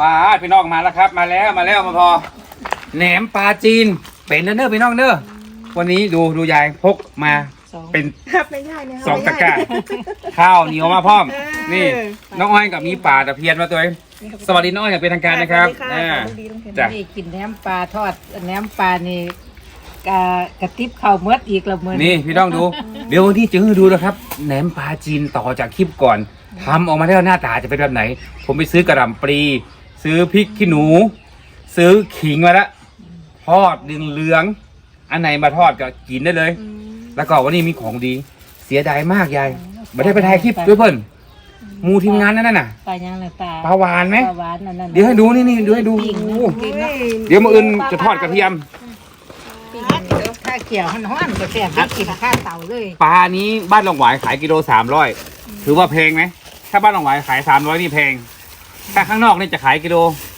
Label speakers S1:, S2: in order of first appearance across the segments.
S1: ปลาพี่น้องมาแล้วครับมาแล้วมาพอแหนมปลาจีนเป็นเด้อพี่น้องเด้อวันนี้ดูยายพกมาเป็นสองตะกร้าข้าวเหนียวมาพร้อมนี่น้องอ้อยกับมีปลาตะเพียนมาตัวเองสวัสดีน้องอ้อยอย่างเป็นทางการนะครับ
S2: จ้ะนี่กินแหนมปลาทอดแหนมปลานี่กระติบข้าวเมือดอีกละมื้อ
S1: นี่พี่น้องดูเดี๋ยววันนี้จะให้ดูนะครับแหนมปลาจีนต่อจากคลิปก่อนทำออกมาแล้วหน้าตาจะเป็นแบบไหนผมไปซื้อกระหล่ำปลีซื้อพริกขี้หนูซื้อขิงมาแล้วทอดเหลืองอันไหนมาทอดก็กินได้เลยแล้วก็วันนี้มีของดีเสียดายมากยายไม่ได้ไปถ่ายคลิปด้วยเพิ่นมูทีมงานนั่นน่ะ
S2: ปลายังเลย
S1: ปลาหวานไหม
S2: ปลาหวานนั่น
S1: เดี๋ยวให้ดูนี่ดูให้ดูเดี๋ยวมื้ออื่นจะทอดกระเทียม
S2: ข้าเกี่ยวห้อนๆก็แซ่บได้กินข้าวเต่าเลย
S1: ปลานี้บ้านหลงหวายขายกิโล300ถือว่าแพงไหมถ้าบ้านหลงหวายขาย300นี่แพงถ้าข้างนอกนี่จะขายกิโล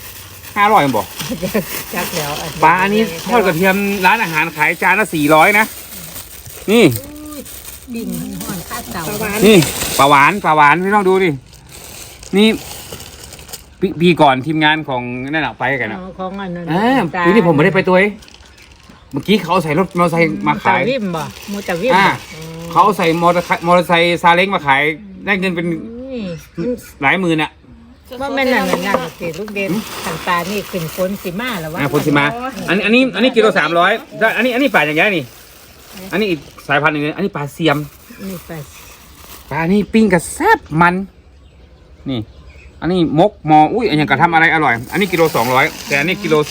S1: 500บอก
S2: จักแล้ว
S1: ปลาอันนี้ทอดกระเทียมร้านอาหารขายจานละ400นะนี่
S2: ปิ้งห้อนข้าวเต่า
S1: นี่ปลาหวานพี่ต้องดูดินี่ปีก่อนทีมงานของนั่นไปกันนะ
S2: ของอันนั้น
S1: ปีนี้ผมไม่ได้ไปตัวเมื่อกี้เขาใส่รถมอเตอร์ไซค์มาขาย
S2: วิมบ่มูตะวิม
S1: เขาใส่มอเตอร์ไซค์ซาเล้งมาขายได้เงินเป็นหลายหมื่นอะ
S2: ว่าแม่นั่นสิลูกเด่นขันตานี่ขึ้นฝนสิมาหรือว่า
S1: ฝนสิมาอันนี้กิโล300อันนี้ปลาอย่างเงี้ยนี่อันนี้อีกสายพันธุ์หนึ่งอันนี้ปลาเสียม
S2: นี่
S1: ปลานี่ปิ้งกับแซ่บมันนี่อันนี้มกอุ้ยอันอย่างกระทำอะไรอร่อยอันนี้กิโล200แต่อันนี้กิโล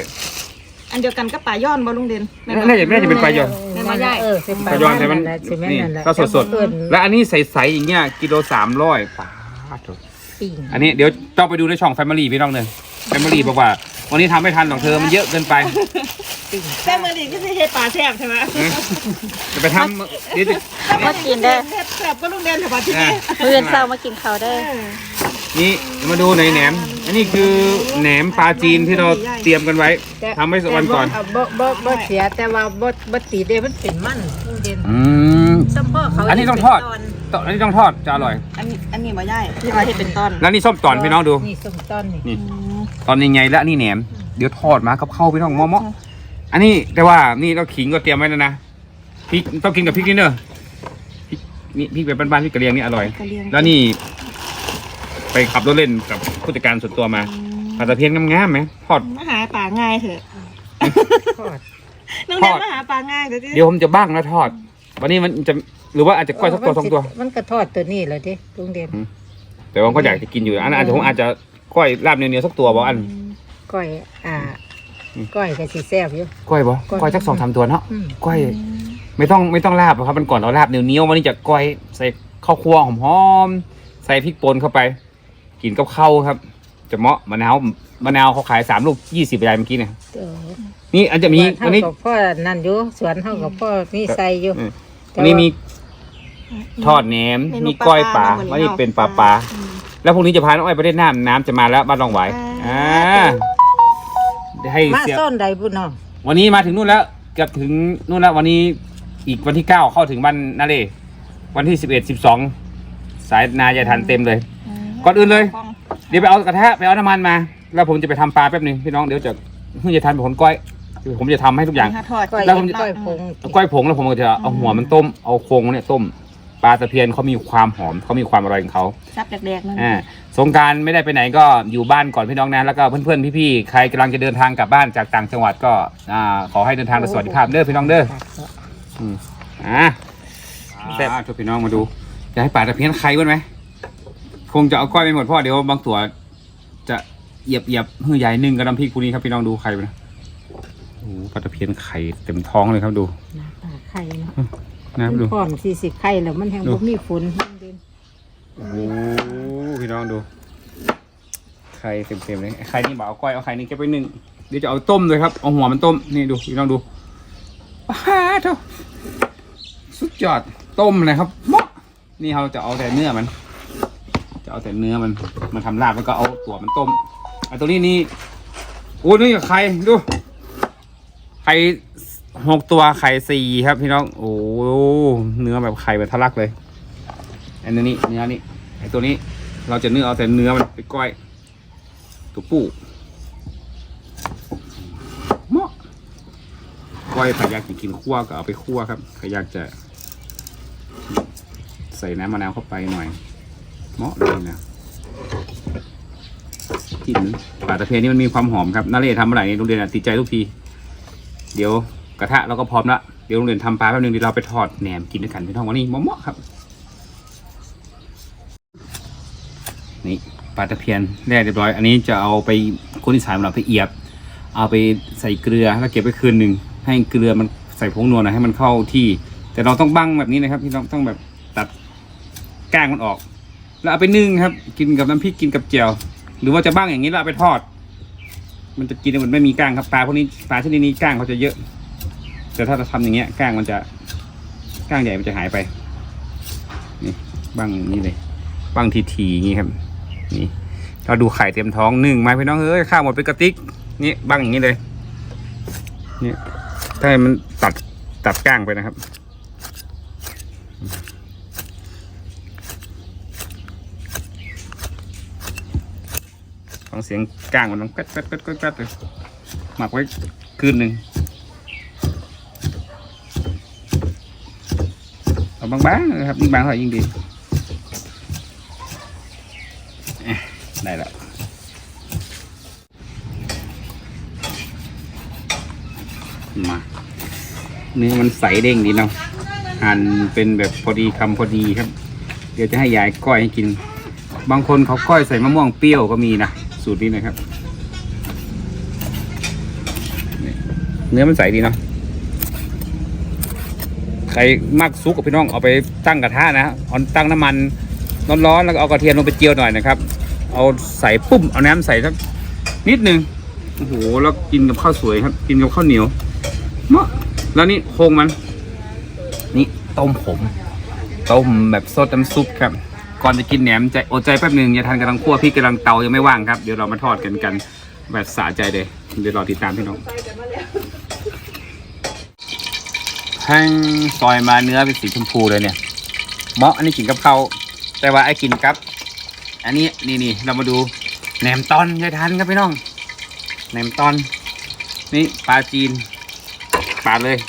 S1: 300
S3: อันเดียวกันก็ปลาย่อนบ่ลุงเด่น
S1: น่าจะเป็นปลาย่อน
S3: ปลาย่อย
S1: ปลาย่อนแต่มันนี่ก็สดและอันนี้ใสๆอย่างเงี้ยกิโล300ปลาอันนี้เดี๋ยวต้องไปดูในช่อง Family พี่น้องเลย Family บอกว่าวันนี้ทำไม่ทันของเธอมันเยอะเกินไป
S3: แซ่บมือดีก็จะใช้ปลาแซ่บใช่ไหม
S1: จะไปทำนี่
S3: มากินได้แซ่บก็ลุงเด่นแต่ปลาที่นี่
S2: มื้อเช้ามากินข้าวได้
S1: นี่มาดูในแหนมอันนี้คือแหนมปลาจีนที่เราเตรียมกันไว้ทำไว้สักวันก่อน
S2: บ่เสียแต่ว่าบ่ตีเด้มันเป็นมันลุงเด่นส้มพ่อเขา
S1: อันนี้ต้องทอดอันนี้ต้องทอดจะอร่อย
S3: อันนี้บ่ย่ายที่เราเห็นเป็นต้น
S1: แล้วนี่ส้มตอนพี่น้องดู
S2: นี่ส้มตอน
S1: นี่ตอนยังไงแล้วนี่แหนมเดี๋ยวทอดมากับข้าวพี่น้องม้ออันนี้แต่ว่านี่เราขิงก็เตรียมไว้แล้วนะพริกต้องกินกับพริกนี่เนอะพริกแบบบ้านๆพริกกระเลียงนี่อร่อยแล้วนี่ไปขับรถเล่นกับผู้จัดการส่วนตัวมาปลาตะเพียนงามๆไหมทอด
S3: มาหาปลาง่ายเถอะน้องเด่นมาหาปลาง่าย
S1: เดี๋ยวผมจะบ้างนะทอดวันนี้มันจะหรือว่าอาจจะก้อยสักตัว2ตัว
S2: มันก็ทอดตัวนี้เลยดิลุงเด่น
S1: แต่ว่าก็อยากจะกินอยู่อันผมอาจจะก้อยลาบเนื้อสักตัวบ่อัน
S2: ก้อยก้อยก็สิแซ่บอยู่
S1: ก้อยบ่ก้อยสัก2-3ตัวเนาะก้อยไม่ต้องลาบครับมันก่อนเราลาบเนื้อวันนี้จะก้อยใส่ข้าวคั่วหอมๆใส่พริกป่นเข้าไปกินกับข้าวครับจะเหมาะมะนาวเขาขาย3 ลูก20บาทเมื่อกี้เนี่ยนี่อาจจะมี
S2: อันนี้พ่อนั่นอยู่สวนเท่ากับพ่อมีใส่อยู่
S1: อันนี้มีทอดแหนมมีก้อยปลาวันนี้เป็นปลาแล้วพรุ่งนี้จะพาน้องอ้อยไปเล่นน้ำจะมาแล้วบ้านรองไหวให้
S2: มาส้นใดบุญน้อง
S1: วันนี้มาถึงนู่นแล้วเกือบถึงนู่นแล้ววันนี้อีกวันที่9เข้าถึงบ้านนาเลวันที่11-12สายนายายทันเต็มเลยก่อนอื่นเลยเดี๋ยวไปเอากระทะไปเอาน้ำมันมาแล้วผมจะไปทำปลาแป๊บนึงพี่น้องเดี๋ยวจะยายทันเป็นคนก้อยผมจะทำให้ทุกอย่าง
S2: แล้วผมจะ
S1: ก้อยผงแล้วผมก็จะเอาหัวมันต้มเอาโครงเนี่ยต้มปลาตะเพียนเขามีความหอมเขามีความอร่อยของเขา
S3: ซับแดกๆนั่น
S1: สงกรานต์ไม่ได้ไปไหนก็อยู่บ้านก่อนพี่น้องนะแล้วก็เพื่อนๆพี่ๆใครกำลังจะเดินทางกลับบ้านจากต่างจังหวัดก็ขอให้เดินทางโดยสวัสดิภาพเด้อพี่น้องเด้อแซ่บทุกพี่น้องมาดูจะให้ปลาตะเพียนไข่บ้างไหมคงจะเอาก้อยไปหมดเพราะเดี๋ยวบางตัวจะเหยียบหื้อใหญ่นึ่งกับน้ำพริกพวกนี้ครับพี่น้องดูไข่ไปนะโอ้ปลาตะเพียนไข่เต็มท้องเลยครับดู
S2: ไข่เนาะ
S1: น้ำดู
S2: ก่อน40ไข่แล้วมันแห้งบ่มีฝน
S1: โอ้พี่น้องดูไข่เต็มเลยไข่นี่บอกเอาก้อยเอาไข่นี่เก็บไว้นึ่งเดี๋ยวจะเอาต้มเลยครับเอาหัวมันต้มนี่ดูพี่น้องดูเท่าสุดยอดต้มเลยครับนี่เราจะเอาแต่เนื้อมันจะเอาแต่เนื้อมันมาทำลาบแล้วก็เอาตัวมันต้มไอ้ตัวนี้นี่โอ้นี่ไข่ดูไข่6 ตัวไข่4ครับพี่น้องโอ้เนื้อแบบไข่แบบทะลักเลยอันนี้เนื้อนี่ไอ้ตัวนี้เราจะเอาแต่เนื้อมันไปก้อยตัวปูเหมาะก้อยใครอยากจะกินคั่วก็เอาไปคั่วครับใครอยากจะใส่น้ำมะนาวเข้าไปหน่อยเหมาะเลยนะกลิ่นปลาตะเพียนนี่มันมีความหอมครับนาเรศทำอะไรโรงเรียนติดใจทุกทีเดี๋ยวกระทะเราก็พร้อมละเดี๋ยวโรงเรียนทำปลาแป๊บนึงเดี๋ยวเราไปทอดแหนมกินด้วยกันพี่น้องวันนี้เหมาะครับนี่ปลาตะเพียนแร่เรียบร้อยอันนี้จะเอาไปคนอีสานเราไปเอียบเอาไปใส่เกลือแล้วเก็บไว้คืนหนึ่งให้เกลือมันใส่ผงนัวนะให้มันเข้าที่แต่เราต้องบั้งแบบนี้นะครับพี่น้องต้องแบบตัดก้างมันออกแล้วเอาไปนึ่งครับกินกับน้ำพริกกินกับแจ่วหรือว่าจะบ้างอย่างนี้แล้วเอาไปทอดมันจะกินมันไม่มีก้างครับปลาพวกนี้ปลาชนิดนี้ก้างเขาจะเยอะแต่ถ้าเราทำอย่างเงี้ยก้างมันจะก้างใหญ่มันจะหายไปนี่บ้างอย่างนี้เลยบ้างทีๆอย่างนี้ครับนี่เราดูไข่เต็มท้องนึ่งมาพี่น้องเอ้ยข้าวหมดเป็นกระติกนี่บ้างอย่างนี้เลยนี่ถ้าให้มันตัดก้างไปนะครับฟังเสียงก้างมันต้องกัดเลยหมักไว้คืนหนึ่งเอาบางๆนะครับยิ่งบางเท่าไหร่ยิ่งดีได้แล้วมาเนื้อมันใสเด้งดีเนาะหั่นเป็นแบบพอดีคำพอดีครับเดี๋ยวจะให้ยายก้อยให้กินบางคนเขาก้อยใส่มะม่วงเปรี้ยวก็มีนะสูตรนี้นะครับเนื้อมันใสดีเนาะใครมักซุกกับพี่น้องเอาไปตั้งกระทะนะเอาตั้งน้ำมันร้อนๆแล้วก็เอากระเทียมลงไปเจียวหน่อยนะครับเอาใส่ปุ้มเอาน้ำใส่สักนิดนึงโอ้โหแล้วกินกับข้าวสวยครับกินกับข้าวเหนียวเนาะแล้วนี่โครงมันนี่ต้มแบบซดน้ำซุปครับก่อนจะกินแหนมใจอดใจแป๊บหนึ่งอย่าทานกำลังคั่วพริกกำลังเตายังไม่ว่างครับเดี๋ยวเรามาทอดกันแบบสะใจเลยเดี๋ยวรอติดตามพี่น้องแห้งซอยมาเนื้อเป็นสีชมพูเลยเนี่ยเหมาะอันนี้กินกับข้าวแต่ว่าไอ้กินกับอันนี้นี่เรามาดูแหนมตอนยายทันครับพี่น้องแหนมตอนนี่ปลาจีนปลาเลย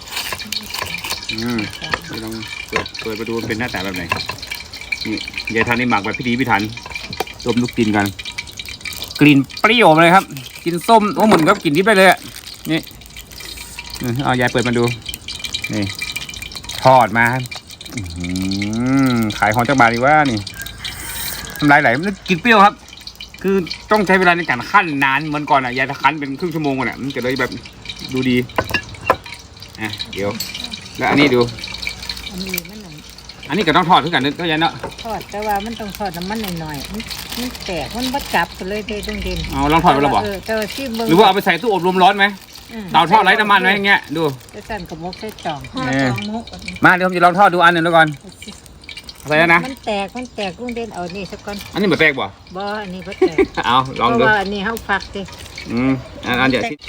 S1: พี่น้องเปิดมาดูเป็นหน้าตาแบบไหนนี่ยายทันนี่หมักแบบพิถีพิถันต้มลูกกินกันกลิ่นเปรี้ยวเลยครับกินส้มโอ้เหมือนกับกินดิบได้เลยนี่เอายายเปิดมาดูนี่ทอดมาขายของจากบาทดีว่านี่ทำลายไหลมันกินเปรี้ยวครับคือต้องใช้เวลาในการคั่นนานเหมือนก่อนยายคั้นเป็นครึ่งชั่วโมงก่อนมันจะเลยแบบดูดีเดี๋ยวแล้วอันนี้ดูอันนี้ก็ต้องทอดขึ้นกันก็ยันเนาะ
S2: ทอดแต่ว่ามันต้องทอดน้ำมันหน่อยๆมันแตกมันบัดจับกันเลยต้องเด่น
S1: ลองทอดไปแล้วบอกหรือว่าเอาไปใส่ตู้อบลมร้อนไหมเตาทอดไร้น้ำมันไหมอย่างเงี้ยดู
S2: จะสั่นกับมกใส่จ่อง
S1: มาเดี๋ยวผมจะลองทอดดูอันหนึ่งแล้วก่อนอะไรนะ
S2: มันแตกลุงเด่นเอานี่สักก่อน
S1: อันนี้แบบแปลกบ่
S2: อันนี้บ่แตก
S1: เอาลองดู
S2: เพราะว่าอันนี้เฮาฟักดิ
S1: อันเดี๋ยวสิ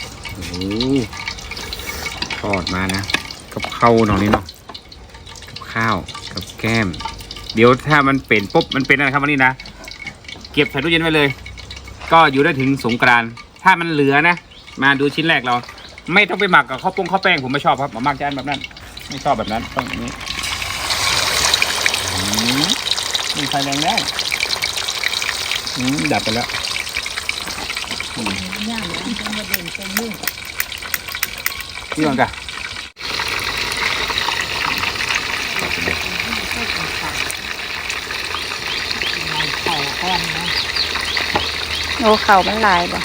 S1: ทอดมานะกับข้าวหน่อยนี้เนาะกับข้าวกับแก้มเดี๋ยวถ้ามันเป็นปุ๊บมันเป็นอะไรครับวันนี้นะเก็บใส่ตู้เย็นไว้เลยก็อยู่ได้ถึงสงกรานต์ถ้ามันเหลือนะมาดูชิ้นแรกเราไม่ต้องไปหมักกับข้าวแป้งผมไม่ชอบครับผมมักจะอันแบบนั้นไม่ชอบแบบนั้นต้องอย่างนี้มีไฟแรงได้ดับไปแล้วนี่ก่อนกัน
S3: โอ้เข่ามันลายบ่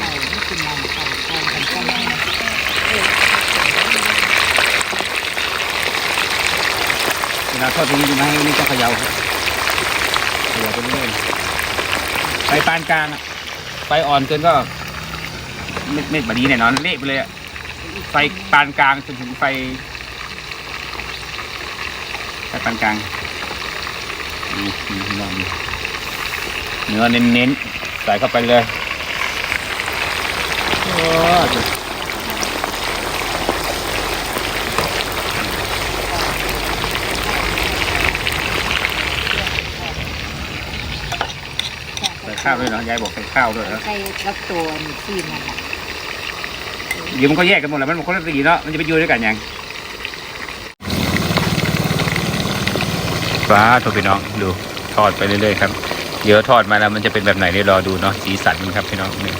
S1: เวลาทอดตรงนี้ดูนะให้นี่จะเขย่าไปเรื่อยๆไฟปานกลางไฟอ่อนเกินก็ไม่แบบนี้แน่นอนเละไปเลยไฟปานกลางจนถึงไฟปานกลางลองดูเนื้อเน้นๆใส่เข้าไปเลยใส่ข้าวด้วยเนาะยายบอกใส่ข้าวด้วยนะ
S2: ใส่กับตัวนี่ที่มันน่ะ
S1: เดี๋ยวมันก็แยกกันหมดแล้วมันคนละสีเนาะมันจะไปอยู่ด้วยกันยังฟ้าโทรพี่น้องดูทอดไปเรื่อยๆครับเดี๋ยวทอดมาแล้วมันจะเป็นแบบไหนเดี๋ยวรอดูเนาะสีสันมันครับพี่น้องนี่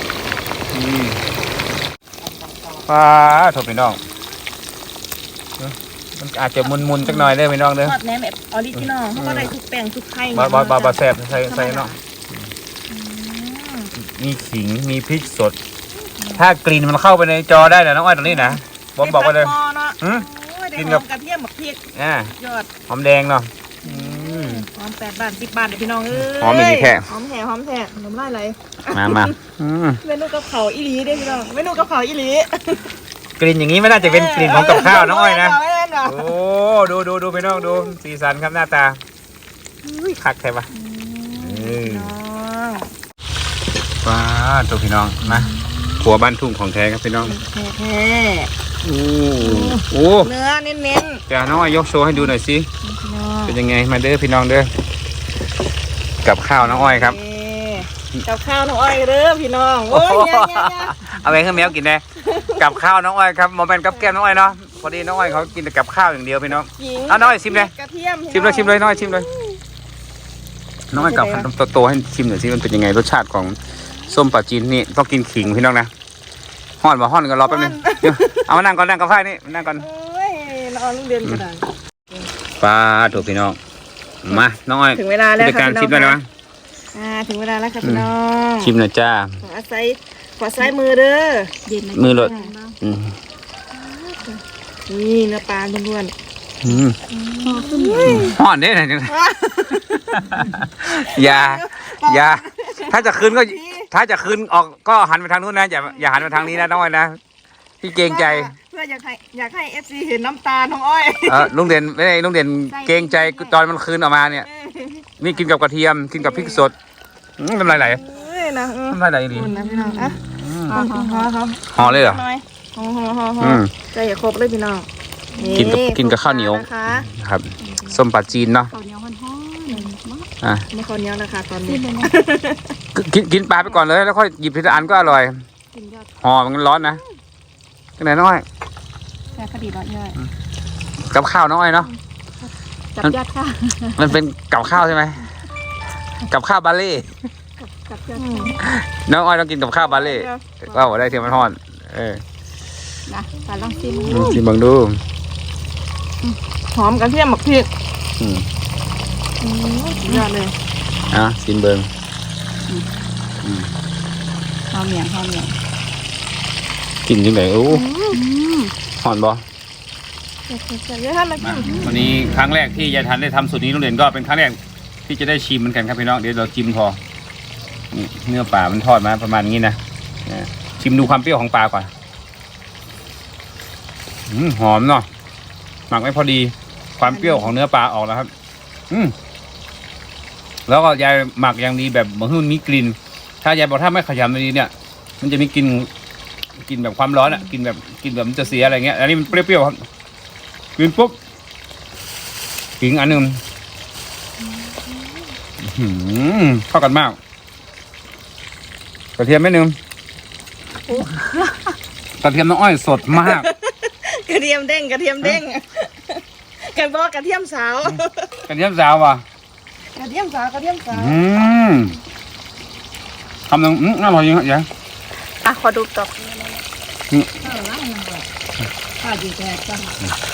S1: ฟ้าโทรพี่น้องมันอาจจะมุนๆสักหน่อยได้พี่น้องเด้อ
S3: ทอดแหนมแบบออริจินอลเขาก็ได้ทุกแป้งทุกไข่
S1: บาแซ่บใส่เนาะมีขิงมีพริกสดถ้ากลิ่นมันเข้าไปในจอได้นะน้องอ้อยตรงนี้นะบอกไปเลย
S3: กินกับกระเทียมกับพริกยอด
S1: หอมแดงเนาะ
S3: หอม8 บาท10 บาทเดี๋ยวพี่น้องเอ้ย
S1: หอมอย่างนี้แค่
S3: หอมแท้น้ำลายไหล
S1: มา
S3: เมนูกับเขาอีหลีเด้อพี่น้องเมนูกับเขาอีหลี
S1: กลิ่นอย่างนี้ไม่น่าจะเป็นกลิ่นของกับข้าวน้องอ้อยนะ
S3: ไม่เล่นหรอ
S1: โอ้ดูพี่น้องดูสีสันครับหน้าตาคักใช่ปะว้าตัวพี่น้องนะครัวบ้านทุ่งของแท้ครับพี่น้อง
S3: แท้
S1: โอ้
S3: เนื้อเน้น
S1: จะน้องอ้อยยกโชว์ให้ดูหน่อยสิ
S3: ๆ
S1: เป็นยังไงมาเด้อพี่น้องเด้อกับข้าวน้องอ้อยครับ
S3: กับข้าวน้องอ้อยเด้อพี่น้องโอ้ยเนี่ย
S1: เอาไปให้แมวกินนะกับข้าวน้องอ้อยครับโมเมนต์กับแก้มน้องอ้อยเนาะพอดีน้องอ้อยเขากินแต่กับข้าวอย่างเดียวพี่น้องเอาน้องอ้อยชิมเลย
S3: กระเทียม
S1: ชิมเลยน้องอ้อยชิมเลยน้องอ้อยกับโตๆให้ชิมหน่อยสิมันเป็นยังไงรสชาติของส้มปลาจีนนี่ต้องกินขิงพี่น้องนะห่อนกันรอแป๊บนึงเอามานั่งก่อนนั่งกับไฟนี่นั่งก่อน
S3: โอ้ยนอนลูกเรียนกัน
S1: ปลาถูกพี่น้องมาน้องอ้อย
S3: ถึงเวลาแล้ว
S1: จัดการชิมได้ไหม
S3: ถึงเวลาแล้วครับพี่น้อง
S1: ชิมหน่อยจ้า
S3: ขอซ้ายมือเด้อ
S1: มือหลด
S3: นี่เนื้อปลาล้วน
S1: ห่อนเด้ไหนจังอย่าถ้าจะคืนออกก็หันไปทางนู้นนะอย่าหันไปทางนี้นะน้องอ้อยนะพี่เกรงใจ
S3: เพื่ออยากให้FC เห็นน้ำตาน้องอ้อย
S1: ลุงเด่นไม่ได้ลุงเด่นเกรงใจตอนมันคืนออกมาเนี่ยนี่กินกับกระเทียมกินกับพริกสดน้ำลายไหล
S3: นะ
S1: น้ำลายไหลดี
S3: คุณนะพี่น้องอ่ะเขา
S1: ห่อเลยเหรอ
S3: ห่อใจอย่าครบเลยพี่น้อง
S1: กินกับข้าวเหนียวครับส้มปลาจีนเนาะ
S2: ข้าวเหนียวฮ้อนๆ
S3: ไม่ข้าวเหนียวนะคะตอนนี้
S1: กินปลาไปก่อนเลยแล้วค่อยหยิบทีละอันก็อร่อยห่อมันร้อนนะที่ไหนน้อย
S2: แค่พอดีร้อนย่อย
S1: กับข้าวน้อยเนาะ
S2: จับยอดค่ะ
S1: มันเป็นกับข้าวใช่ไหมกับข้าวบาเล่
S2: จับยอด
S1: น้องอ้อยต้องกินกับข้าวบาเล่ว่าได้เทียมมันห่อน
S2: นะปลาลองชิม
S1: ชิมบังดู
S3: หอมกระเทียมหมักพริกยอดเลย
S1: ชิมเบิง
S2: หอมเหมียง
S1: กินยังไงโอ้ห่อนบ่
S3: เยอะท่านมากิน
S1: วันนี้ครั้งแรกที่ยายทันได้ทำสูตรนี้โรงเรียนก็เป็นครั้งแรกที่จะได้ชิมเหมือนกันครับพี่น้องเดี๋ยวเราชิมพอนี่เนื้อปลามันทอดมาประมาณนี้นะชิมดูความเปรี้ยวของปลาก่อนหอมเนาะหมักไม่พอดีความเปรี้ยวของเนื้อปลาออกแล้วครับแล้วก็ยายหมักอย่างดีแบบเหมือนมันมีกลิ่นถ้ายายบอกถ้าไม่ขยำดีเนี่ยมันจะมีกลิ่นแบบความร้อนอ่ะกลิ่นแบบมันจะเสียอะไรเงี้ยอันนี้มันเปรี้ยวๆครับกินปุ๊บขิงอันหนึ่งเข้ากันมากกระเทียมไม่นึงกระเทียมน้องอ้อยสดมาก
S3: กระเทียมเด้งกันบอกกระเทียมสาว
S1: กระเทียมสาวว่ะ
S3: กระเทียมสาว
S1: คำหนึ่งอร่อยจริงครับยาย
S3: ขอดูตบ
S2: ข้าวดีแตกจัง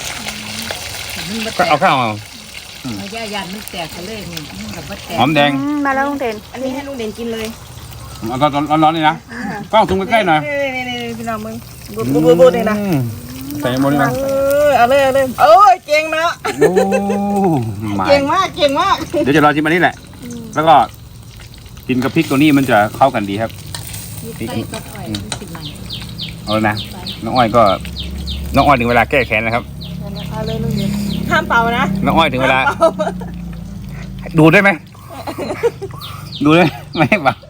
S1: ก็เอาข้าวเอา
S2: ย่ายันมันแตกกันเลยนี่กับว่าแตก
S1: หอมแดง
S3: มาแล้วลุงเด่นอันนี้ให้ลุงเด่นกินเลย
S1: เอาตอนร้อนๆนี่นะกล้องซูมใกล้ๆหน่อย
S3: นี่พี่น้องมึงบูดเลยนะ
S1: ใส่หมดนี่นะ
S3: เอาเลยโอ้ยเก่งเนาะ
S1: โอ้เก่งมากเดี๋ยวจะรอชิมอันนี้แหละแล้วก็กินกับพริกตัวนี้มันจะเข้ากันดีครับ
S2: ใส่ก็อ่อยสิบมัน
S1: เอาเลยนะน้องอ้อยถึงเวลาแก้แค้นนะครับ
S3: เอาเลยลุงเด่นห้ามเป่านะ
S1: น้องอ้อยถึงเวลาดูได้ไหมดูได้ไม่ให้ป่ะ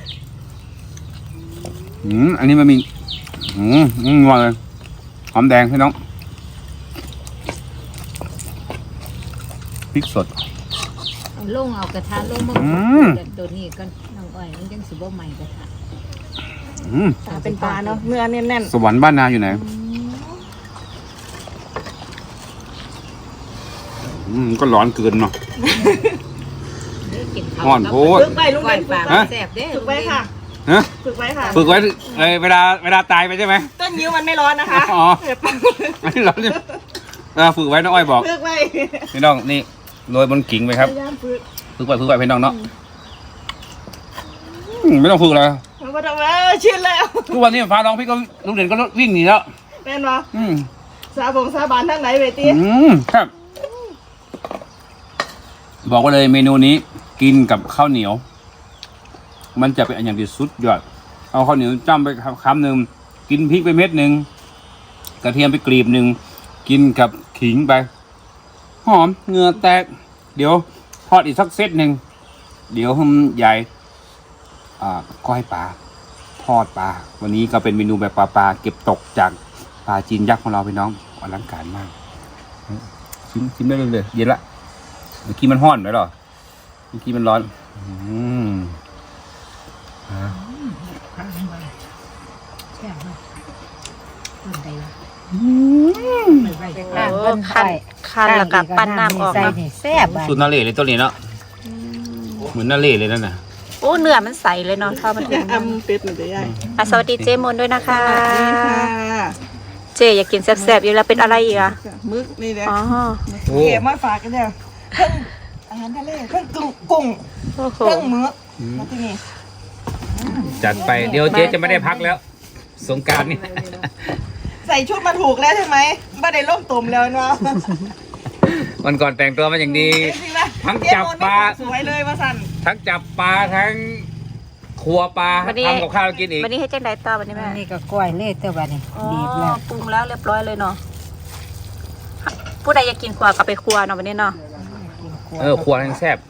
S1: อันนี้มันมีงอเลยหอมแดงพี่น้องพริกสด
S2: ลงเอากระทะลงมาตัวนี้ก็น้องอ้อยมันจังสิบ่ใหม่ก็ค่ะ
S3: เป็นปลาเนาะเนื้อแน่น
S1: สวรรค์บ้านนาอยู่ไหนก็ร้อนเกินเนาะ
S2: กินข้าว
S1: อ่อนโพด
S3: ๆฝึกไปลุง
S2: ก้
S3: เด่
S2: อย
S3: น
S2: ป
S3: ฝึ
S2: ลาก
S3: ไป
S2: แซ่บเด้
S3: ฝึกไว้ค่ะ
S1: ฮะ
S3: ฝึกไว้ค่ะ
S1: ฝึกไว้เวลาตายไปใช่ไหม
S3: ต้นยิ้วมันไม่ร้อนนะคะ
S1: อ๋อ อันนี้ร้อนเนี่ยฝึกไว้น้องอ้อยบอก
S3: ฝึกไว้
S1: พี่น้องนี่โรยบนกิ่งไปครับ
S3: พยายามฝึก
S1: ฝึกไว้พี่น้องเนาะไม่ต้องฝึกเลย
S3: มันก็ทำแล้วชินแล้ว
S1: ทุกวันนี้ฟ้าร้องพี่ก็ลุงเด่นก็วิ่งหนีแล้ว
S3: แม่นบ่
S1: อืม
S3: สาบานทั้งไหนเวที
S1: ครับบอกว่าเลยเมนูนี้กินกับข้าวเหนียว มันจะเป็นอันอย่างที่สุดยอดเอาข้าวเหนียวจ้ำไปคำหนึ่งกินพริกไปเม็ดหนึ่งกระเทียมไปกรีบหนึ่งกินกับขิงไปหอมเหงื่อแตก เดี๋ยวทอดอีกสักเซตหนึ่งเดี๋ยวใหญ่ก้อยปลาทอดปลาวันนี้ก็เป็นเมนูแบบปลาเก็บตกจากปลาจีนยักษ์ของเราพี่น้องอลังการมากชิมได้เลยเย็นละเมื่อกี้มันห้อนไหมหรอเมื่อกี้มันร้อน
S2: แซ่บมากต้นใดวะ
S3: คันแล้วกับปั้นน้ำออก
S2: ใส่
S3: เนาะ
S2: นี่แซ่บอ่ะ
S1: สูตรนาเล่เลยตัวนี้เนาะเหมือนนาเล่เลยนั่นน่ะ
S3: โอ้เนื้อมันใสเลยเนาะถ้ามันถึง
S4: เป็ดมันจะใหญ่
S3: สวัสดีเจมนด้วยนะคะ
S4: ค่ะ
S3: เจอยากกินแซ่บๆอยู่แล้วเป็นอะไรอีกอ่ะ
S4: มึกนี่แหละ
S3: อ๋อ
S1: โอ้
S4: เก็บมาฝากกันเนี่ยเครื่องอาหารทะเลเครื่องกุ้ง
S3: โอ้โห
S4: เครื่องมึกมาที่นี่
S1: จัดไปเดี๋ยวเจ๊จะไม่ได้พักแล้ว สงกรารนี่
S4: ใส่ชุดมาถูกแล้วใช่ไหมไม่ได้ล่มตุ่มแล้วเนาะ
S1: วันก่อนแต่งตัวมาอย่างดี
S4: จริงๆนะ
S1: ทั้งจับปลา
S4: สวยเลยว่าสัน
S1: ทั้งจับปลาทั้งครัวปลาทำกับข้าวกินอีก
S3: วันนี้ให้จังไดต่อวันนี้แม่
S2: นี่ก็กล้วยเล่เต้าบัดนี่
S3: อ๋อ
S2: บีบแล้ว
S3: ปรุงแล้วเรียบร้อยเลยเนาะผู้ใดอยากกินครัวก็ไปครัวเนาะวันนี้เนาะ
S1: ครัวทั้งแซ่บ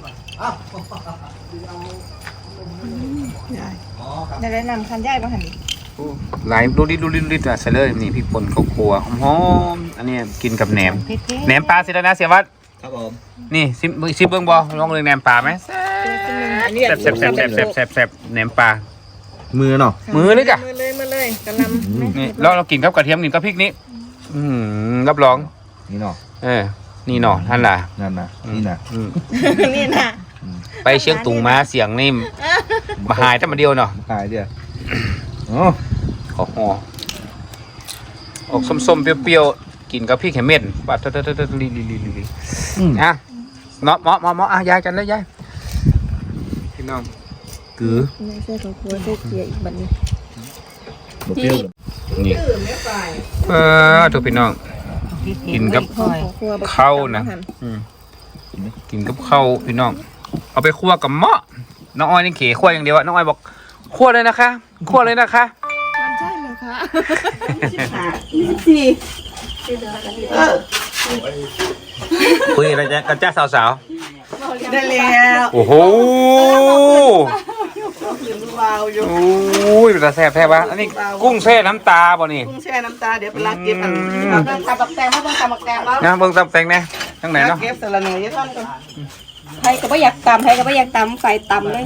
S4: ได้แนะนำคันย่ายมาหัน
S1: หลายดูดิใส่เลยนี่พริกป่นข้าวครัวหอมๆอันนี้กินกับแหนม
S2: เผ็ดๆ
S1: แหนมปลาเสร็จแล้วนะเสียวัด
S5: ครับผม
S1: นี่ซิมเบิ้งบอลองเลยแหนมปลาไหม
S4: อันนี้
S1: แซ่บแหนมปลา
S5: มือเนาะ
S1: มือเลยจ้ะ
S4: มาเลยกระลำ
S1: นี่เรากินกับกระเทียมกินกับพริกนี้รับรอง
S5: นี่เนาะ
S1: นี่หนอท่านล่ะ
S5: นั่นนะนี่นะ
S4: นี่นะ
S1: ไปเชียงตุงมาเสียงนี่มาหายแต่มาเดียวเนาะ
S5: ขายเดียวอ๋อ
S1: ขอห่อออกส้มๆเปรี้ยวๆกินกับพริกแหมเม็ดปัดลีอ่ะเนาะเหมาะยายกันเลยยายพี่น้องกือ
S4: ไม่ใช่ของครัวใช่เกียร์อีกบัดนี้
S5: บดเปรี้ยว
S1: นี่ทุกพี่น้อง กินกับ
S2: กล้วย
S4: ของครัว
S1: ข้าวนะกินกับข้าวพี่น้อง เอาไปคั่วกับหม้อน้องอ้อยนี่เขี่ยคั่วอย่างเดียวอะน้องอ้อยบอกคั่วเลยนะคะคั่วเลยนะคะ
S4: มันใช่เหรอคะ24
S1: คุยอะไรกันจ้าสาว
S4: ได้แล้ว
S1: ๆโอ้โห
S4: วาวอยู่
S1: โอ้ยเป็นตาแซ่บแท้ปะอันนี้กุ้งแช่น้ำตาบ่นี่
S4: กุ้งแช่น้ำตาเดี๋ยวไปลากเก็บอันเราต้องทำบักแตงเพราะต้องทำบักแตงแล้ว
S1: นะเบิ่งตำแตงเนี่ยทั้งไหน
S4: ลาก
S1: เนาะ
S4: เก็บสลัดเนยท่านก่อน
S3: ใครก็ไม่อยากตำใครก็ไม่อยากตำใส่ตำเลย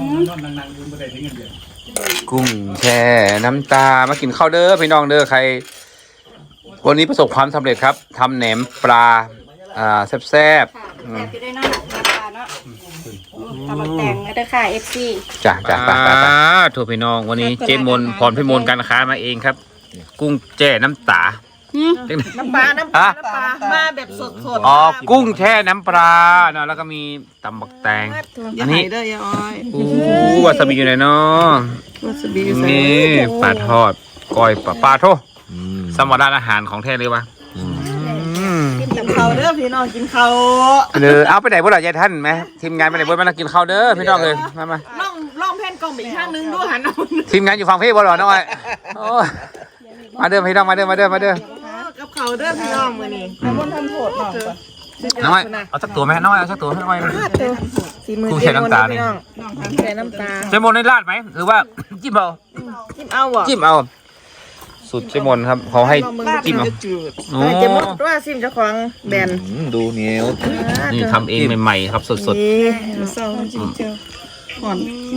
S1: กุ้งแช่น้ำตามากินข้าวเด้อพี่น้องเด้อใคร วันนี้ประสบความสำเร็จครับทำแหนมปลาแซ่บ
S3: แซ่บอยู่ด้วยเนาะน้ำปลาเนาะตำบักแตงแล้วเด้อค่ะ FC
S1: ๆจ้ะไปถูกพี่น้องวันนี้เจมนพรพิมลการค้ามาเองครับ กุ้งแช่น้ำตา
S4: น้ำปลามาแบบสด
S1: อ๋อกุ้งแช่น้ำปลาเนาะแล้วก็มีตำบักแตง
S4: อย่าหายเด้อยายอ้อย
S1: วาซาบิอยู่ไหนเนาะ
S4: วาซาบิใส่
S1: นี่ปลาทอดก้อยปลาโทสมรานอาหารของแท้เลยวะ
S4: กินข้าวเด้อพี่น้องกินข้าว
S1: เอาไปไหนบ่ล่ะยายท่านไหมทีมงานไปไหนบ่มานั่งกินข้าวเด้อพี่น้องเลยมา
S4: ล่องแผ่นกล่องไปอีกข้างนึงด้วยหันเอา
S1: ทีมงานอยู่ฝั่งพี่บ่หรอน้อยโอ้ยมาเด้อพี่น้องมาเด้อ
S4: กับข้าวเด้อพี่น้องมื้อนี้น้ำมันทำโทษเนาะ
S1: น้อยเอาสักตัวไหมน้อยเอาสักตัวให้น้อย
S4: สีมือ
S1: กุ้งแช่น้ำตานี่
S4: น้องแช่น้ำตา
S1: เจมนได้ราดไหมหรือว่าจิ้มเอา
S4: จิ้มเอาบ่
S1: จิ้มเอาสุดเจมนครับเขาให้จิ้มเอา
S4: จืด
S1: โอ้
S4: ๆเจมดว่าซิมเจ้าของแบรนด์
S5: ดูเหนียว
S1: นี่ทำเองใหม่ๆครับสด
S4: นี่เศร้าจิ้มเจ้าห่อน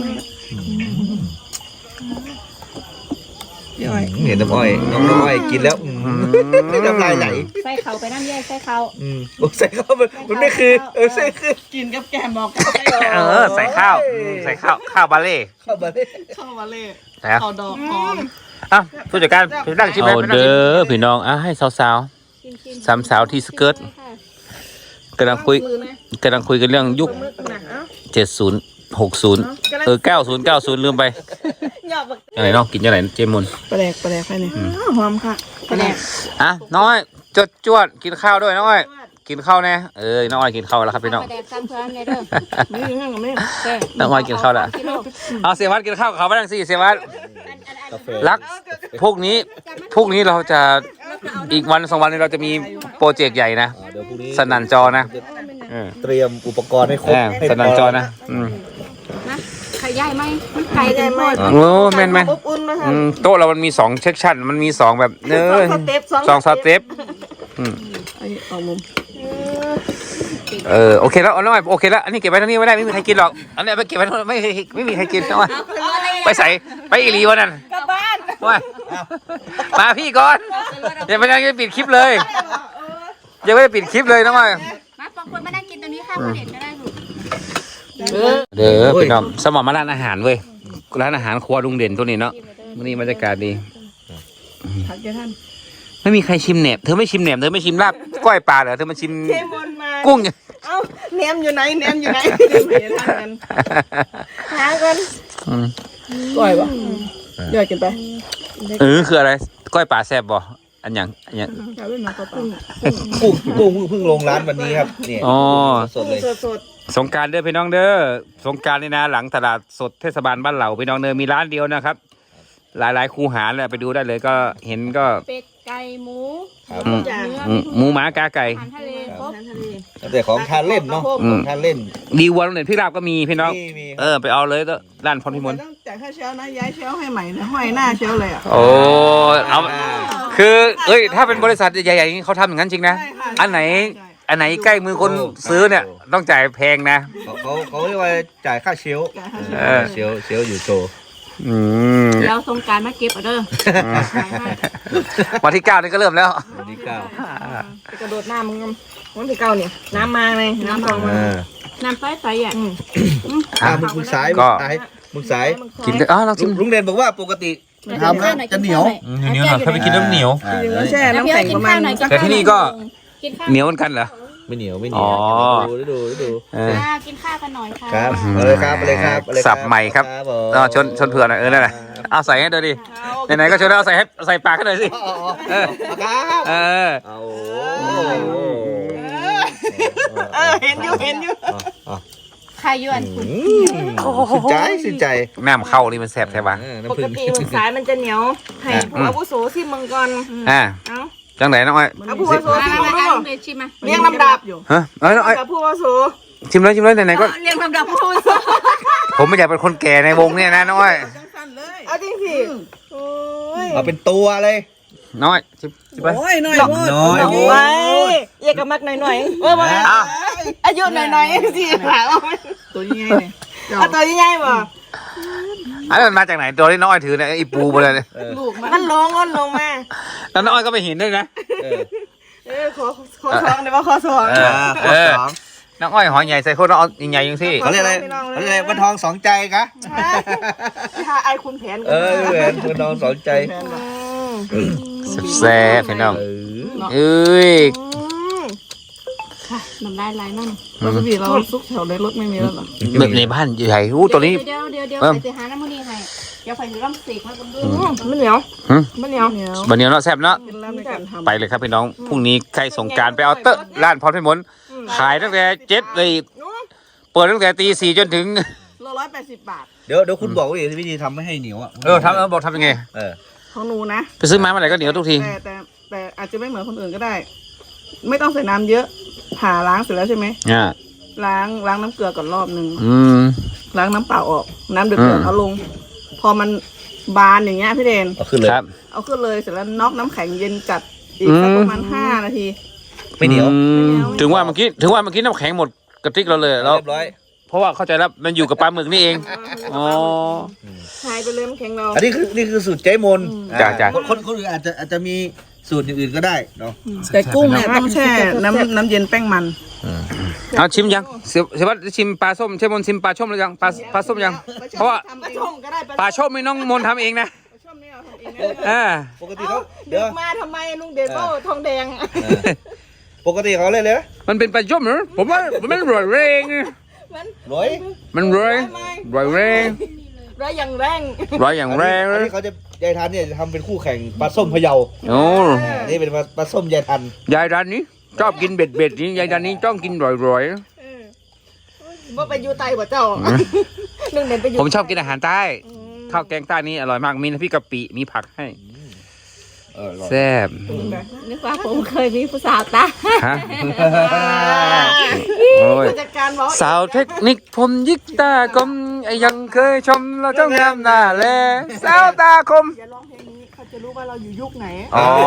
S5: เห็นน้ำอ้อยน้ำอ้อยกินแล้วน้ำลายไหล
S3: ใส่เขาไปน้ำแยกใส่เขา
S5: โอ้ใส่ข้าวมันไม่คือใส่คือ
S4: กินกับแกมบอก
S1: ใส่ข้าวใส่ข้าวบาเล่
S5: ข้าวมาเลย
S4: เข้ามาเลย
S1: ใส่ครับ
S4: เอาดอกหอม
S1: อ่ะผู้จัดการผู้นั่งชิมไหม
S6: เอาเด้อพี่น้องอ่ะให้สาว
S3: ชิม
S6: สามสาวที่สเกิร์ตกำลังคุยกันเรื่องยุค
S3: มือหนักเอ้า
S6: 70 60 90 ลืมไป
S3: หยอกบัก
S6: ยังไงเนาะกินยังไงเจมุน
S4: ปลาแดกไปนี่หอมค่ะ
S3: กระแดก
S6: อ่ะน้อยจวดกินข้าวด้วยน้อยกินข้าวแน่น้อยกินข้าวแล้วครับพี่น้อง
S3: กระแดกซ้ำเพื่อนเนี่ยเด้อ
S4: นี่ยังไม่
S6: น้อยกินข้าวแล้วเอาเสียวัดกินข้าวกับเขาไปทั้งสี่เสียวัดรักพวกนี้เราจะอีกวัน2 วันนี้เราจะมีโปรเจกต์ใหญ่นะ
S5: เดี๋ยวพรุ่งนี้
S6: สนั่นจอนะ
S5: เตรียมอุปกรณ์ให้ครบ
S6: สนั่นจอนะ
S3: นะไข่ใหญ่ไหมมันไก่ใหญ่ไหม
S6: โอ้แม่น
S4: อบอุ่นนะคะ
S6: โต๊ะเรามันมี2เซกชันมันมี2แบบสองสเต็ป
S4: ไอ้เอามุม
S6: โอเคแล้วน้อยโอเคแล้วอันนี้เก็บไว้ตรงนี้ไม่ได้ไม่มีใครกินหรอกอันนี้ไปเก็บไว้ไม่มีใครกินน้อยไปใส่ไปอีหลีวันนั้น
S4: กลับบ้าน
S6: มาพี่ก่อนอย่าไปนั่งปิดคลิปเลยยังไม่ได้ปิดคลิปเลยน้อย
S3: มาปองคนมานั่งกินตรงนี้ค่ะผู้เด็กก็ได้ลูก
S6: เด้อพี่น้องสมองมาร้านอาหารเว้ยร้านอาหารครัวลุงเด่นตัวนี้เนาะวันนี้บรรยากาศดี
S4: ทักแกท่าน
S6: ไม่มีใครชิมแหนบเธอไม่ชิมแหนบเธอไม่ชิมลาบก้อยปลาเหรอเธอมาชิม
S4: เทมนมา
S6: กุ้ง
S4: เอ้าแหนมอยู่ไหนแหนมอยู่ไหนหากันก่อยวะย่อยกินไป
S6: คืออะไรก้อยปลาแซ่บบ่อันอย่าง
S4: อย่าเล่นน้ำปลา
S5: กุ้งเพิ่งลงร้านวันนี้ครับเนี่ย
S6: อ๋อ
S5: สดเลย
S4: สด
S6: สงกรารเด้อพี่น้องเด้อสงกรารนี่นะหลังตลาดสดเทศบาลบ้านเหล่าพี่น้องเด้อมีร้านเดียวนะครับ หลายคูหาเลยไปดูได้เลยก็เห็นก็
S3: เป็ดไก่หมู
S5: ครับ
S3: เนื้อ
S6: หมูหมากาไก่
S3: อาหารทะเลครบ
S5: แต่ของทานเล่นเนาะของทานเล่น
S6: ดีวัวโรงเรียนพี่ราบก็มีพี่น้อง
S5: มี
S6: ไปเอาเลยร้านพรพิมล
S4: ต้องจ่ายค่าเชลนะย้ายเชลให้ใหม่นะห้อยหน้าเชลเลยอ่ะ
S6: โอ้เอาคือถ้าเป็นบริษัทใหญ่ๆอย่างนี้เขาทำอย่างนั้นจริงนะ
S4: ใช่ค่ะ
S6: อันไหนใกล้มือคนซื้อเนี่ยต้องจ่ายแพงนะ
S5: เขาเรียกว่าจ่ายค่าเชลเชลอยู่โชว์
S3: แล้วสงการมาเก็บเอาเด้อ
S6: วันที่ 9นี่ก็เริ่มแล้ว
S5: วันที่เก้าก
S4: ระโดดน้ำมึงวันที่เก้าเนี่ยน้ำมาเลยน้ำทองมา
S3: น้ำใสๆอ่ะ
S5: มึงสาย
S6: กินกันเราชิม
S5: ลุงเด่นบอกว่าปกติทำแล้วจะเหนียว
S6: เหนียวหน่อยถ้าไปกินน้ำเหนียว
S4: แช่น้ำแข็งประมาณ
S6: แต่ที่นี่ก็
S3: กินข้าว
S6: เหนียวเหมือนกันเหรอ
S5: ไม่เหนียว
S6: อ๋อ
S5: ดู
S3: กินข้าวกันหน่อยค่ะ
S5: ครับเลยครับ
S6: สับใหม่ครับชนเผื่อหน่อยนั่นแหละเอาใส่ให้ดูดิไหนๆก็ชนแล้วเอาใส่ปากให้หน่อยสิ
S5: เอา
S4: เห็นอยู่
S3: ใครยวนคุณ
S5: สินใจ
S6: น้ำเข้านี่มันแสบใช่ปะ
S4: ปกติมึงสายมันจะเหนียวให้ผู้อาวุโสที่มึงก่อน เอ้า
S6: จังไหนน้องอ้อย
S4: เอาผู้อาวุโสที่มึง
S3: มา
S4: ก่อน
S3: เลยชิมมา
S4: เรียงลำดับอยู่
S6: ฮะน้องอ้อย
S4: กับผู้อาวุโส
S6: ชิมเลยไหนๆก็
S3: เรียงลำดับผู้อาวุโส
S6: ผมไม่อยากเป็นคนแก่ในวงเนี่ยนะน้องอ้อย
S4: เอาจริงสิโอ้ย
S5: เอาเป็นตัวเลย
S6: น้อยชิมไป
S4: โอ้ยหน่อย
S5: น้อย
S4: ไว้เรียกกับมักหน่อยมาอายุหน่อยสิหาตัวใหญ่เลยเอาตัวใหญ่ป่ะ
S6: อันนั้นมันมาจากไหนตัวที่น้องอ้อยถือเนี่ยไอ้ปูไปเลยเนี่ย
S4: มันลงมา
S6: แล้วน้องอ้อยก็ไปเห็นด้วยนะ
S4: ขอสองเดี๋ยวว่าขอสอง
S5: ข้อสอง
S6: น้องอ้อยหอยใหญ่ใส่โคตรน้องอ้อยใหญ่ยังสิ
S5: เขาเรียกอะไรวันทองสองใจกะ
S4: ถ้าไอคุณแผน
S5: วันทองสองใจ
S6: แซ่บพี่น้องเอ้ย
S3: น้ำลายไหลนั่น
S4: ปกติเราซุกแถวในรถไม่มีแล้วหรอ
S6: ในบ้านใหญ่ตัวนี้
S3: เดี๋ยวไปหาน้ำมันนี่ให้เดี๋ยวไปดูลำเสกมาบนดู
S4: มันเหนียวมันเหนียว
S6: บันเนียวเนาะแซ่บเนาะ
S4: เป็นร้านในการทำ
S6: ไปเลยครับพี่น้องพรุ่งนี้ใครสงกรารไปเอาเตอะร้านพรพิมลขายตั้งแต่7เลยเปิดตั้งแต่ตี 4จนถึง
S4: 180 บาท
S5: เดี๋ยวคุณบอกวิธีทำไม่ให้เหนียวอ่ะ
S6: บอกทำยังไง
S4: ของหนูนะ
S6: ไปซื้อมาเมื่อไหร่ก็เหนียวทุกที
S4: แต่อาจจะไม่เหมือนคนอื่นก็ได้ ไม่ต้องใส่น้ำเยอะผ่าล้างเสร็จแล้วใช่ไหมล้างน้ำเกลือก่อนรอบนึงล้างน้ำเปล่าออกน้ำเดือดเอาลง พอมันบานอย่างเงี้ยพี่เดน
S5: เอาขึ้นเลย
S4: เอาขึ้นเลยเสร็จแล้วน็อกน้ำแข็งเย็นจัดอีกสักประมาณ5 นาที
S5: ไม่เหนียว
S6: ถึงว่าเมื่อกี้น้ำแข็งหมดกระติกเราเลยแล้ว
S5: เรียบร้อย
S6: เพราะว่าเข้าใจแล้วมันอยู่กับปลาหมึกนี่เองอ๋อ
S4: หายไปเลยมันแข็งเรา
S5: อันนี้คือสูตรเจ๊มน
S6: จ้ะ
S5: คนอื่นอาจจะมีสูตรอื่นๆก็ได้เนาะ
S4: แต่กุ้งเนี่ยต้องแช่น้ำเย็นแป้งมัน
S6: เอาชิมยังเสียวัดชิมปลาส้มเชฟมนชิมปลาช่อมหรือยังปลาส้มยังเพราะว่า
S4: ทำปลาช่อมก็ได้
S6: ปลาช่อมไม่น้องมนทำเองนะ
S4: ปลาช่อมนี่เราทำเองได้เลย
S6: อ่า
S5: ปกติเขา
S4: เด็กมาทำไมลุงเดชก็ทองแดง
S5: ปกติเขาเลยนะ
S6: มันเป็นปลาช่อมเหรอผมว่ามันร่อยแรง
S4: มัน
S5: ร้อย
S6: มันร่อยแรง
S4: ร้อยอย่างแรง
S6: ร่อยอย่างแรง
S5: อัน
S6: เลย
S5: นี้เขาจะยายทันเนี่ยจะทำเป็นคู่แข่งปลาส้มพะเยา
S6: โอ้
S5: อันนี้เป็นปลาส้มยายทัน
S6: ยายร้านนี้ชอบกินเบ็ดนี่ยายร้านนี้ชอบกินร่อย
S4: ว่าไปอยู่ไตบ่เจ้าลุงเดชไปอยู่
S6: ๆผมชอบกินอาหารใต้ข้าวแกงใต้นี่อร่อยมากมีน้ำพริกกะปิมีผักให้ แซ่บ
S3: นึกว่าผมเคยมีผู้สาวตา
S6: ฮะโอ้ย
S4: ผู้จัดการบอก
S6: สาวเทคนิคผมยิกตากลมยังเคยชมเราเจ้างามหน้าแลสาวตาคม
S4: อย่าร้องเพลงนี้เขาจะรู้ว่าเราอยู่ยุคไหน
S6: อ๋อ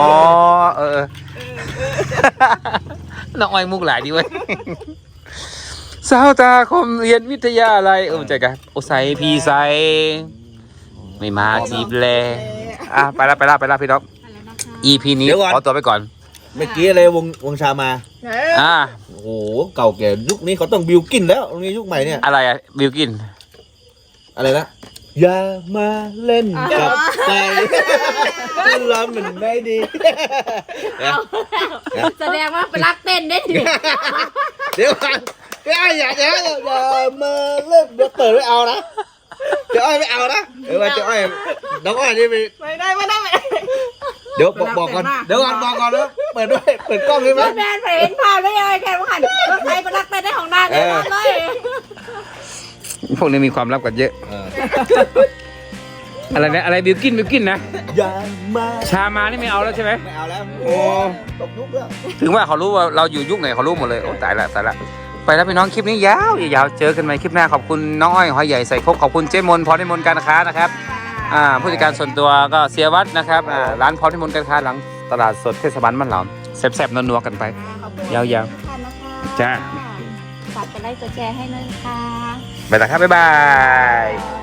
S6: น้องอ้อยมุกหลายดีเว้ยสาวตาคมเรียนวิทยาอะไรใจกันโอไซพีไซไม่มาจีบแลอ่ะไปละพี่น้อง EP นี้ขอตัวไปก่อน
S5: เมื่อกี้อะไรวงชามา
S6: อ่า
S5: โอ้โหเก่าแก่ยุคนี้เขาต้องบิวกินแล้วนี่ยุคใหม่เนี่ย
S6: อะไรอะบิวกิน
S5: อะไรนะอย่ามาเล่นกับใจเราเหมือนไม่ดี
S3: แสดงว่าไปรักเต้นได้ดิ
S5: เดี๋ยวก่อนพี่อ้อยอย่ามาเล่นเดี๋ยวเปิดไม่เอานะเดี๋ยวอ้อยไม่เอานะเดี๋ยวเดี๋ยวอ้อยน้องอ้อยนี่ไป
S4: ไม่ได้ไม่ได้
S5: เดี๋ยวบอกก่อนเดี๋ยวก่อนบอกก่อนนะเปิดด้วยเปิดกล้องได้ไหม
S3: แมนไปเห็นภาพได้ยังไงแกว่าหันรถไฟไปรักเต้นได้ของนางเลยเลย
S6: พวกนี้มีความลับกันเยอะ อะไรนะอะไรบิวกินนะ
S5: อย่ามา
S6: ชามานี่ไม่เอาแล้วใช่ไหม
S5: ไม่เอาแล้ว
S6: โอ้
S5: ตกยุคแล้ว
S6: ถึงว่าเขารู้ว่าเราอยู่ยุคไหนเขารู้หมดเลยโอ้ตายละไปแล้วพี่น้องคลิปนี้ยาวเจอกันใหม่คลิปหน้าขอบคุณน้องอ้อยหอยใหญ่ใส่ครกขอบคุณเจ๊มนพรพิมลการค้านะครับผู้จัดการส่วนตัวก็เสียวัดนะครับร้านพรพิมลการค้าหลังตลาดสดเทศบาลบ้านเหลอมแซ่บๆนัวๆกันไปยาวๆจ้า
S3: ฝากกดไลค์กดแชร์ให้ด้วยค่ะ
S6: ไปแล้วครับบ๊ายบาย